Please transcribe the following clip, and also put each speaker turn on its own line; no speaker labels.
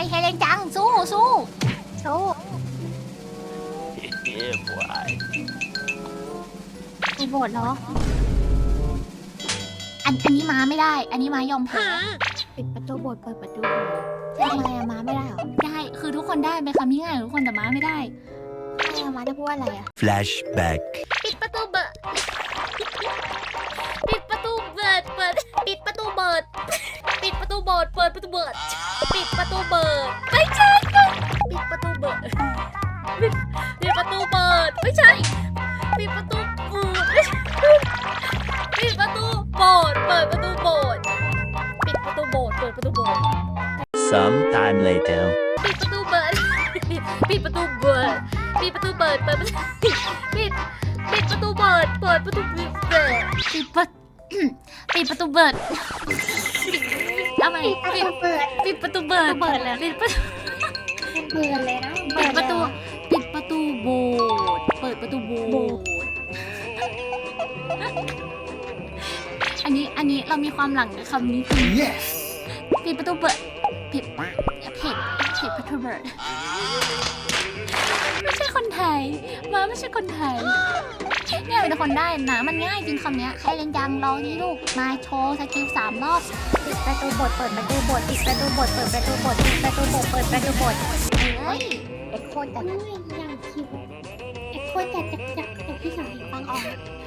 เฮเลนจังสู้สู้สู้ ไปโบสถ์เหรออันนี้ม้าไม่ได้ อันนี้ม้ายอมแพ้ปิดประตูโบสถ์เปิดประตูโบสถ์ทำไมอะม้าไม่ได้เหรอได้คือทุกคนได้เป็นคำที่ง่ายทุกคนแต่ม้าไม่ได้ไม่อะม้าจะพูดว่าอะไรอะ
Flashback
ปิดประตูเบิดปิดประตูเบิดเปิดปิดประตูเบิดปิดประตูโบสถ์เปิดประตูเบิดปิดประตูเบิดไม่ใช่ปิดประตูเบิดปิดประตูเบิดไม่ใช่ปิดประตูเบิดไม่ใช่ปิดประตูโบสถ์เปิดประตูโบสถ์ปิดประตูโบสถ์เปิดประตูโบสถ์
Sometime later
ปิดประตูเบิดปิดประตูเบิดปิดประตูเบิดเปิดประตูปิดประตูเบิดเปิดประตูเบิดปิดประตูเบิดทำไมปิดประตูเบิดแล้วปิดประตูเบิดเลยนะปิดประตูโบสถ์เปิดประตูโบสถ์อันนี้เรามีความหลังกับคำนี้จริง
Yes
ปิดประตูเบิดปิดประตูเบิดไม่ใช่คนไทยมาไม่ใช่คนไทยเนี่ยเป็นคนได้นะมันง่ายจริงคำเนี้ยใครเล่นยังลองนี่ลูกมาโชว์สกิล3 รอบปิดประตูบทเปิดประตูบทปิดประตูบทเปิดประตูบทปิดประตูบทเปิดประตูบทเฮ้ยเอ็กโคแต่อย่างคิวเอ็กโคแต่จากพี่สาวฟังออก